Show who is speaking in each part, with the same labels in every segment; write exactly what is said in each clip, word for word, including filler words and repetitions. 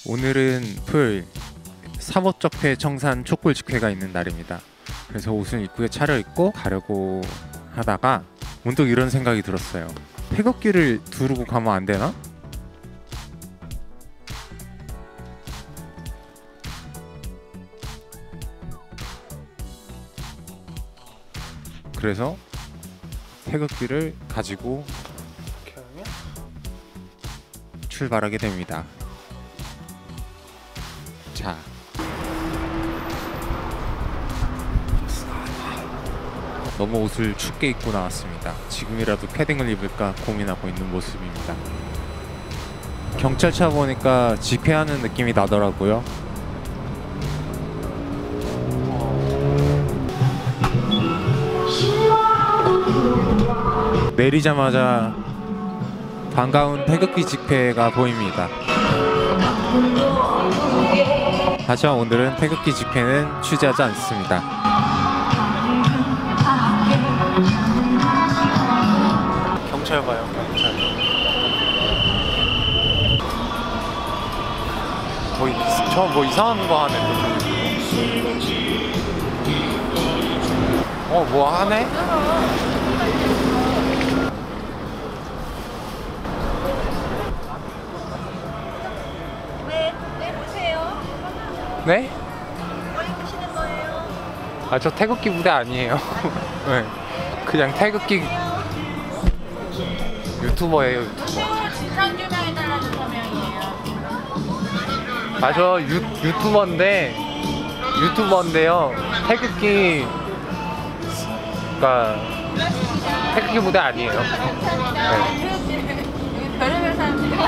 Speaker 1: 오늘은 토요일 사법적폐 청산 촛불 집회가 있는 날입니다. 그래서 옷을 입구에 차려입고 가려고 하다가 문득 이런 생각이 들었어요. 태극기를 두르고 가면 안 되나? 그래서 태극기를 가지고 출발하게 됩니다. 자, 너무 옷을 춥게 입고 나왔습니다. 지금이라도 패딩을 입을까 고민하고 있는 모습입니다. 경찰차 보니까 집회하는 느낌이 나더라고요. 내리자마자 반가운 태극기 집회가 보입니다. 하지만 오늘은 태극기 집회는 취재하지 않습니다. 경찰 봐요, 경찰. 뭐, 저 뭐 이상한 거 하네. 어, 뭐 하네? 네?
Speaker 2: 뭐 입으시는 거예요?
Speaker 1: 아, 저 태극기 부대 아니에요. 네. 그냥 태극기 유튜버예요, 유튜버.
Speaker 2: 진상규명에 따라서 서명이에요.
Speaker 1: 아, 저 유, 유튜버인데 유튜버인데요. 태극기 그러니까 태극기 부대 아니에요. 네.
Speaker 2: 별의별 사람들이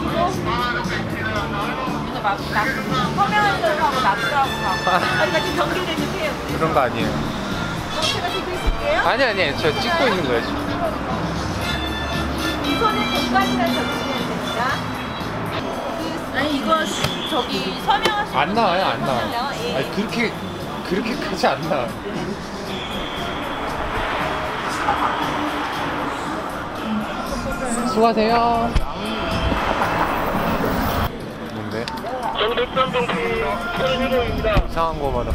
Speaker 2: 막 서명하는 걸 하고 납부하고 가고 아니 지금 경기를 주세요.
Speaker 1: 그런 거 아니에요.
Speaker 2: 그럼 제가 찍고 있을게요.
Speaker 1: 아니 아니 저 찍고 있는 거예요 지금.
Speaker 2: 이 손에 공간이라 적으시면 됩니다. 그, 아니 이거 저기 서명하시는
Speaker 1: 안 나와요, 안 나와요.
Speaker 2: 예.
Speaker 1: 아니 그렇게 그렇게까지 안 나와요. 수고하세요. 뭔데? 이상한 거 받았어.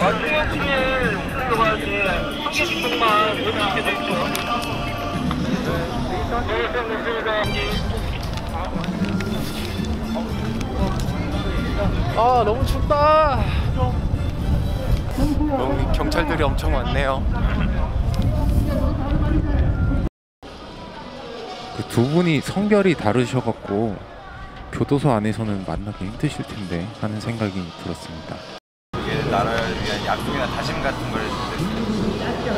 Speaker 1: 아, 너무 춥다. 너무 경찰들이 엄청 많네요. 그 두 분이 성별이 다르셔갖고 교도소 안에서는 만나기 힘드실 텐데 하는 생각이 들었습니다.
Speaker 3: 이게 나라를 위한 약속이나 다짐 같은 걸 해주는데.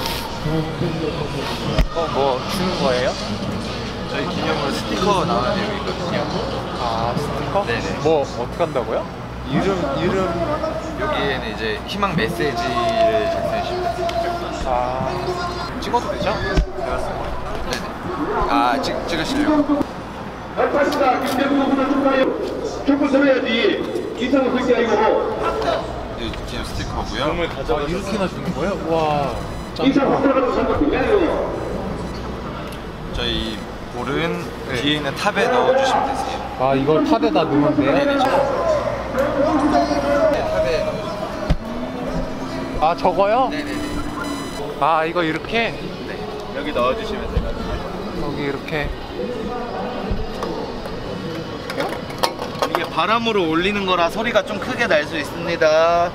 Speaker 1: 어, 뭐 주는 거예요?
Speaker 3: 저희 기념으로 스티커 나오는 내용이 있거든요.
Speaker 1: 아, 스티커?
Speaker 3: 네네.
Speaker 1: 뭐 어떻게 한다고요? 이름 이름
Speaker 3: 여기에는 이제 희망 메시지를 작성해 주시면 돼요.
Speaker 1: 아, 찍어도 되죠?
Speaker 3: 네네. 아, 찍, 찍으시려고?
Speaker 4: 알파시다 김대중 후보자 축하해요. 촛불 서해야지. 이상은 그게 아니고.
Speaker 3: 이 기념 스티커고요.
Speaker 1: 아, 이렇게나 주는 거예요? 와,
Speaker 4: 이상 확실하게 생각 그게 아니고.
Speaker 3: 저희 볼은 네. 뒤에 있는 탑에 넣어주시면 되세요.
Speaker 1: 아, 이걸 탑에다 넣으면 돼요?
Speaker 3: 네네. 네, 탑에 넣어주세요.
Speaker 1: 아, 저거요?
Speaker 3: 네네네.
Speaker 1: 아, 이거 이렇게?
Speaker 3: 네. 여기 넣어주시면 돼요.
Speaker 1: 여기 이렇게.
Speaker 3: 이게 바람으로 올리는 거라 소리가 좀 크게 날 수 있습니다.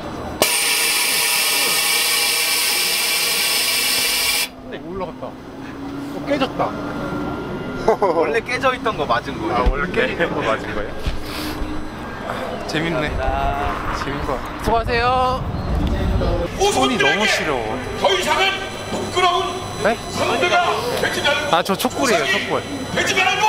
Speaker 1: 네, 올라갔다. 어, 깨졌다.
Speaker 3: 원래 깨져 있던 거 맞은 거예요.
Speaker 1: 아, 원래 깨져 있던 거 맞은 거예요? 아, 재밌네. 재밌는 거. 수고하세요. 손이 너무 시려워.
Speaker 5: 더 이상은 부끄러운
Speaker 1: 네?
Speaker 5: 상대가 되지 않는
Speaker 1: 아, 저 촛불이에요, 촛불.
Speaker 5: 되지 말고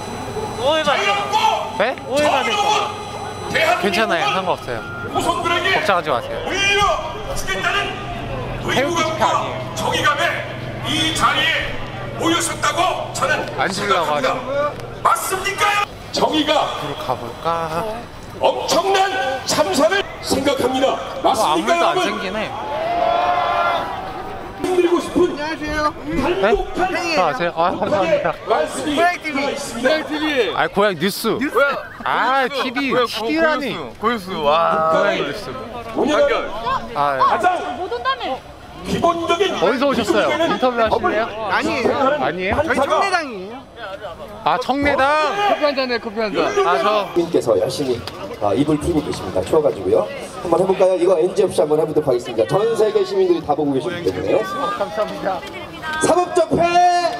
Speaker 5: 자유롭고
Speaker 1: 네?
Speaker 5: 정의로운 대한민국을
Speaker 1: 괜찮아요, 상관없어요.
Speaker 5: 후손들에게
Speaker 1: 걱정하지 마세요.
Speaker 5: 물려주겠다는
Speaker 1: 태극기 집회
Speaker 5: 의무감과
Speaker 1: 아니에요.
Speaker 5: 정의감에 이 자리에 모였었다고 저는
Speaker 1: 안 주려고 하죠.
Speaker 5: 맞습니까? 정의가
Speaker 1: 앞으로 가볼까?
Speaker 5: 엄청난 참사를 생각합니다.
Speaker 1: 뭐 아무
Speaker 5: 맞습니까,
Speaker 1: 말도 안
Speaker 5: 여러분?
Speaker 1: 생기네.
Speaker 5: 힘들고 싶 싶은 단독한
Speaker 1: 네? 저 아세요? 아 감사합니다.
Speaker 5: 말씀이 있습니다.
Speaker 1: 아 고향 뉴스. 아 티비 티비라니.
Speaker 3: 고유수 와.
Speaker 1: 고향 뉴스.
Speaker 5: 운영하는
Speaker 1: 아
Speaker 5: 가장
Speaker 2: 못 온다며.
Speaker 5: 기본적인
Speaker 1: 어디서 오셨어요? 인터뷰 하실래요?
Speaker 3: 아니에요.
Speaker 1: 아니에요?
Speaker 5: 저희
Speaker 3: 청내당이에요.
Speaker 1: 아 청내당. 커피 한 잔에 커피 한 잔. 아 저.
Speaker 6: 님께서 열심히 아, 입을 풀고 계십니다. 추워가지고요. 한번 해볼까요? 이거 엔지 없이 한번 해보도록 하겠습니다. 전 세계 시민들이 다 보고 계시기 때문에.
Speaker 1: 감사합니다.
Speaker 6: 사법적폐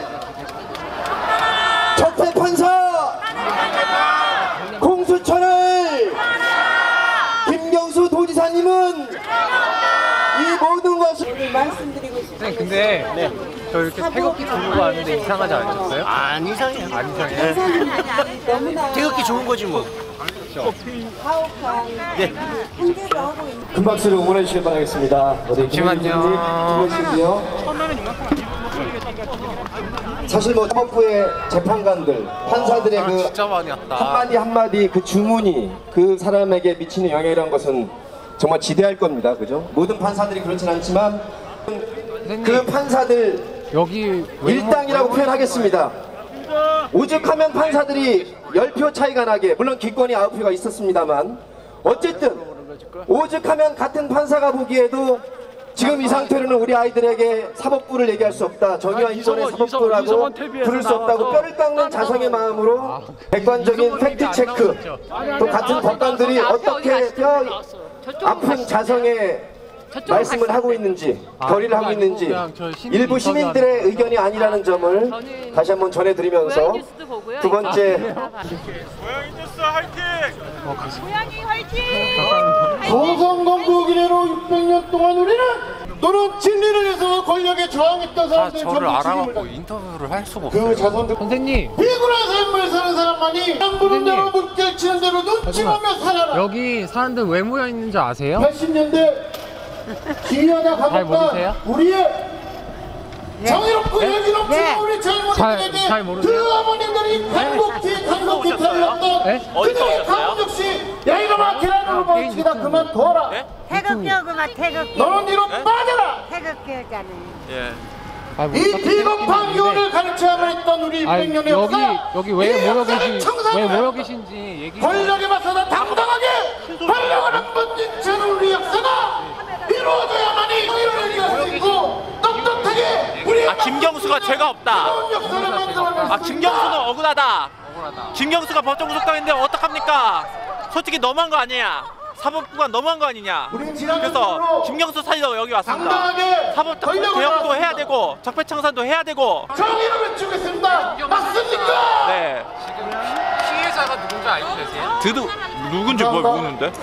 Speaker 6: 적폐 판사 공수처를 김경수 도지사님은 이 모든 것을
Speaker 2: 말씀드리고 싶어요.
Speaker 1: 선생님 근데 네. 저 이렇게 태극기 들고 왔는데 이상하지 않으셨어요?
Speaker 3: 안 이상해요.
Speaker 1: 안 이상해요?
Speaker 2: 너무나
Speaker 3: 태극기 좋은 거지 뭐.
Speaker 2: 가혹한 행제도 하고 있는.
Speaker 6: 큰 박수로 응원해 주시길 바라겠습니다. 어디
Speaker 1: 잠시만요.
Speaker 6: 김혜진님, 사실 뭐 사법부의 재판관들, 판사들의
Speaker 1: 아,
Speaker 6: 그
Speaker 1: 진짜 많이 왔다.
Speaker 6: 한마디 한마디 그 주문이 그 사람에게 미치는 영향이라는 것은 정말 지대할 겁니다. 그죠? 모든 판사들이 그렇진 않지만 그 판사들
Speaker 1: 여기
Speaker 6: 일당이라고 표현하겠습니다. 오죽하면 판사들이 십 표 차이가 나게, 물론 기권이 아홉 표가 있었습니다만 어쨌든 오죽하면 같은 판사가 보기에도 지금 이 상태로는 우리 아이들에게 사법부를 얘기할 수 없다, 정의와 인권의 사법부라고 부를 수 없다고 뼈를 깎는 자성의 마음으로 객관적인 팩트체크, 또 같은 법관들이 어떻게 뼈 아픈 자성의 말씀을 하고 있는지, 결의를 하고 있는지 일부 시민들의 의견이 아니라는 점을 다시 한번 전해드리면서 두 번째,
Speaker 2: 고양이 화이팅!
Speaker 7: 조선건국 이래로 육백 년 동안 우리는 너는 진리를 위해서 권력에 저항했던
Speaker 1: 다
Speaker 7: 사람들
Speaker 1: 저를
Speaker 7: 전부
Speaker 1: 알아갖고
Speaker 7: 죽임을
Speaker 1: 인터뷰를 할 수가
Speaker 7: 그
Speaker 1: 없어요.
Speaker 7: 자손들
Speaker 1: 선생님
Speaker 7: 비굴한 삶을 사는 사람만이 안 부른 대로 물결 치는 대로 눈치 보며 살아라.
Speaker 1: 여기 사람들 왜 모여 있는지 아세요?
Speaker 7: 팔십 년대 기여나
Speaker 1: 잘 모르세요?
Speaker 7: 가볍다 우리의 정의롭고 열기롭고 우리 젊은이들에게
Speaker 1: 잘- 잘 모르세요?
Speaker 7: 그 어머님들이 간곡히 간곡히 달렸던
Speaker 1: 네?
Speaker 7: 그들의 가문 역시 야 이놈아 계란으로 먹치다 그만 둬라.
Speaker 8: 태극기하고만 태극기
Speaker 7: 너는 뒤로 빠져라.
Speaker 8: 태극기였잖아요.
Speaker 1: 아, 뭐
Speaker 7: 이
Speaker 1: 어떻게
Speaker 7: 비겁한
Speaker 1: 생각했는데.
Speaker 7: 교훈을 가르쳐야만 했던 우리
Speaker 1: 아니,
Speaker 7: 육백 년의
Speaker 1: 여기
Speaker 7: 역사.
Speaker 1: 여기 왜 모여 계신 왜
Speaker 7: 청산을
Speaker 1: 모여 계신지 얘기.
Speaker 7: 권력에 맞서다 당당하게 권력을 한번 진짜는 우리 역사가 이루어져야만이 정의를 얘기할 수 있고 떳떳하게 우리
Speaker 9: 아 김경수가 죄가 없다.
Speaker 7: 역사를 만들어낼
Speaker 9: 아
Speaker 7: 수
Speaker 9: 김경수는
Speaker 7: 있다.
Speaker 9: 억울하다. 김경수가 법정 구속당했는데 어떡합니까? 솔직히 너무한 거 아니냐? 사법부가 너무한 거 아니냐?
Speaker 7: 우린 지난
Speaker 9: 그래서
Speaker 7: 정부로
Speaker 9: 김경수 살리러 여기 왔습니다.
Speaker 7: 당당하게
Speaker 9: 사법
Speaker 7: 권력을
Speaker 9: 개혁도
Speaker 7: 나왔습니다.
Speaker 9: 해야 되고 적폐청산도 해야 되고.
Speaker 7: 정의를 외치겠습니다. 맞습니까?
Speaker 9: 네.
Speaker 1: 피해자가 누군지 알고 계세요?
Speaker 9: 드두 누군지 뭘 모르는데?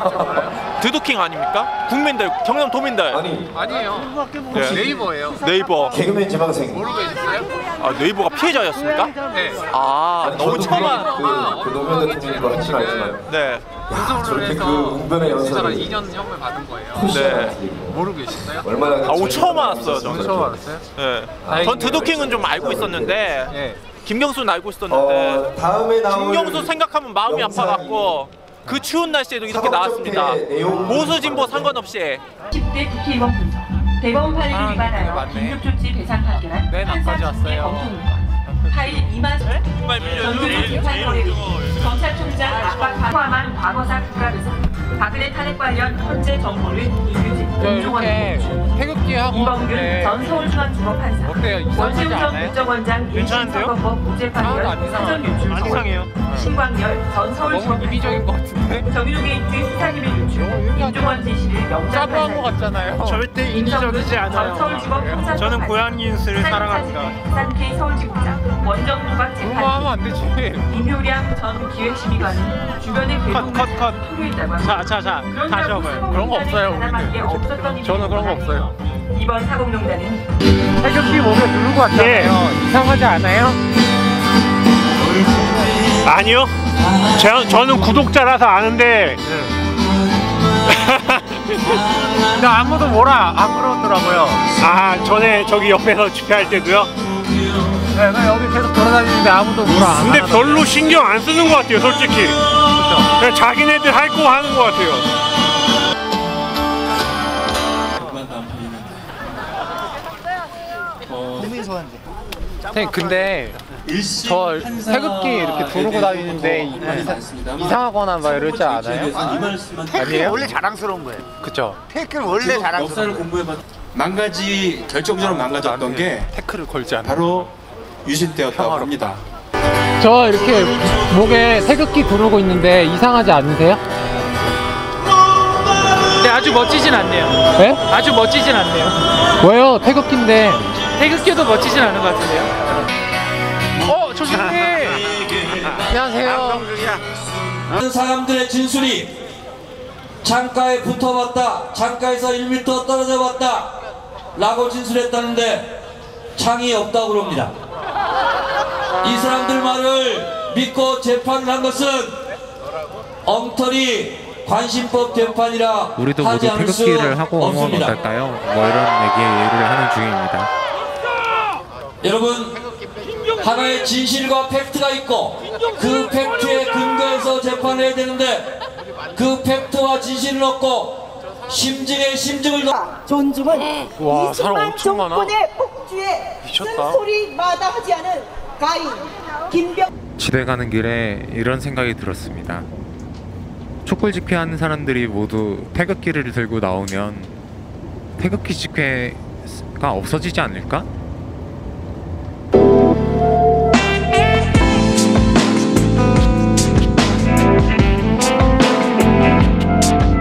Speaker 9: 드두킹 아닙니까? 국민들 경남 도민들.
Speaker 6: 아니
Speaker 1: 아니에요.
Speaker 9: 네.
Speaker 1: 네이버예요.
Speaker 9: 네이버.
Speaker 6: 개그맨 지망생
Speaker 1: 모르고 계셨어요?
Speaker 9: 아 네이버가 피해자였습니까?
Speaker 1: 네.
Speaker 9: 아 너무 처음 알.
Speaker 6: 그, 그 노무현 대통령이 그렇진 않지만
Speaker 9: 네.
Speaker 1: 구속을
Speaker 6: 저렇게
Speaker 1: 해서
Speaker 6: 그 운변의
Speaker 1: 이 사람
Speaker 6: 연설을
Speaker 1: 이 년 형을 받은 거예요.
Speaker 9: 네.
Speaker 1: 모르고 계셨어요?
Speaker 6: 얼마나
Speaker 9: 아 오늘 처음 알았어요 저는.
Speaker 1: 처음 알았어요?
Speaker 9: 네. 전 드두킹은 좀 알고 있었는데
Speaker 1: 네.
Speaker 9: 김경수는 알고 있었는데
Speaker 6: 어, 다음에 나올
Speaker 9: 김경수 생각하면 마음이
Speaker 6: 영상이
Speaker 9: 아파갖고 그 추운 날씨에도 이렇게 나왔습니다. 보수 진보 상관없이.
Speaker 10: 십 대 국회의원 분석 대법원 판례를
Speaker 1: 아,
Speaker 10: 위반하여
Speaker 1: 맞네.
Speaker 10: 긴급조치 배상 판결한
Speaker 1: 맨
Speaker 10: 판사
Speaker 1: 앞까지
Speaker 10: 측의
Speaker 1: 왔어요.
Speaker 10: 검토문건 파일 이만
Speaker 9: 정말
Speaker 10: 전두환 재판 거래 검찰총장 압박 포함한 과거사 국가배상 박근혜 탄핵 관련 현재 정보를 이규진 임종원
Speaker 1: 이렇게 태극기 하고
Speaker 10: 이범균
Speaker 1: 하는데
Speaker 10: 전 서울중앙지법 판사
Speaker 1: 어때요? 이상하지
Speaker 10: 원시우 전
Speaker 1: 않아요?
Speaker 10: 국정원장 인신선거법 무죄
Speaker 1: 하나도
Speaker 10: 판결
Speaker 1: 안
Speaker 10: 사전 유출
Speaker 9: 안 이상해요.
Speaker 10: 신광열 전 서울지법
Speaker 1: 너무 이기적인 것 같은데?
Speaker 10: 정유로 게이트 수사기밀 유출 임종원 지시를 영장
Speaker 1: 짜부한 것
Speaker 10: 판사
Speaker 1: 같잖아요.
Speaker 9: 절대 인위적이지 않아요. 저는 고양이 뉴스를 사랑합니다.
Speaker 10: 산케 서울지구장 원정 누각
Speaker 1: 그런 거 하면
Speaker 10: 재판
Speaker 1: 안 되지.
Speaker 10: 임효량 전 기획심의관은 주변의 괴로움을 토로했다고 합니다.
Speaker 9: 자자자
Speaker 10: 다시 한번
Speaker 1: 그런 거 없어요,
Speaker 10: 우리는.
Speaker 1: 저는 그런 거 없어요.
Speaker 10: 이번 사공농단은
Speaker 1: 태극기 몸에 누르고 왔잖아요. 이상하지 않아요?
Speaker 11: 아니요. 제, 저는 구독자라서 아는데
Speaker 1: 근데 아무도 뭐라 안 그러더라고요.
Speaker 11: 아 전에 저기 옆에서 집회할 때도요.
Speaker 1: 네, 나 여기 계속 돌아다니는데 아무도 뭐라 안
Speaker 11: 근데
Speaker 1: 하더라고요.
Speaker 11: 별로 신경 안 쓰는 것 같아요, 솔직히. 그냥 자기네들 할 거 하는 것 같아요.
Speaker 12: 건지.
Speaker 13: 선생님 근데 저 태극기 이렇게 두르고 다니는데 이상하거나 막 이러지 않아요?
Speaker 12: 태극기 원래 자랑스러운 거예요.
Speaker 13: 그쵸.
Speaker 12: 태극기는 원래 자랑스러운
Speaker 14: 역사를 공부해봤 망가지 결정적으로 망가졌던 게
Speaker 1: 태클을 걸지 않아.
Speaker 14: 바로 유신 때였다고 합니다.
Speaker 13: 저 이렇게 목에 태극기 두르고 있는데 이상하지 않으세요?
Speaker 15: 네, 아주 멋지진 않네요.
Speaker 13: 네?
Speaker 15: 아주 멋지진 않네요.
Speaker 13: 왜요? 태극기인데.
Speaker 15: 태극기도 멋지진 않은 것 같은데요.
Speaker 13: 어, 조심히. 안녕하세요.
Speaker 16: 사람들의 진술이 창가에 붙어봤다, 창가에서 일 미터 떨어져 봤다 라고 진술했다는데 창이 없다고 그럽니다. 이 사람들 말을 믿고 재판을 한 것은 엉터리 관심법 재판이라
Speaker 1: 우리도
Speaker 16: 하지
Speaker 1: 모두
Speaker 16: 않을 수
Speaker 1: 태극기를 하고 오면
Speaker 16: 없습니다.
Speaker 1: 어떨까요? 뭐 이런 얘기를 하는 중입니다.
Speaker 16: 여러분, 하나의 진실과 팩트가 있고 그 팩트에 근거해서 재판을 해야 되는데 그 팩트와 진실을 얻고 심증에 심증을 넣
Speaker 2: 존중은
Speaker 13: 와, 사람
Speaker 2: 이승만
Speaker 13: 엄청 많아.
Speaker 2: 정권의 폭주에
Speaker 13: 미쳤다.
Speaker 2: 쓴소리마다 하지 않은 가인 김병.
Speaker 1: 집에 가는 길에 이런 생각이 들었습니다. 촛불 집회하는 사람들이 모두 태극기를 들고 나오면 태극기 집회가 없어지지 않을까?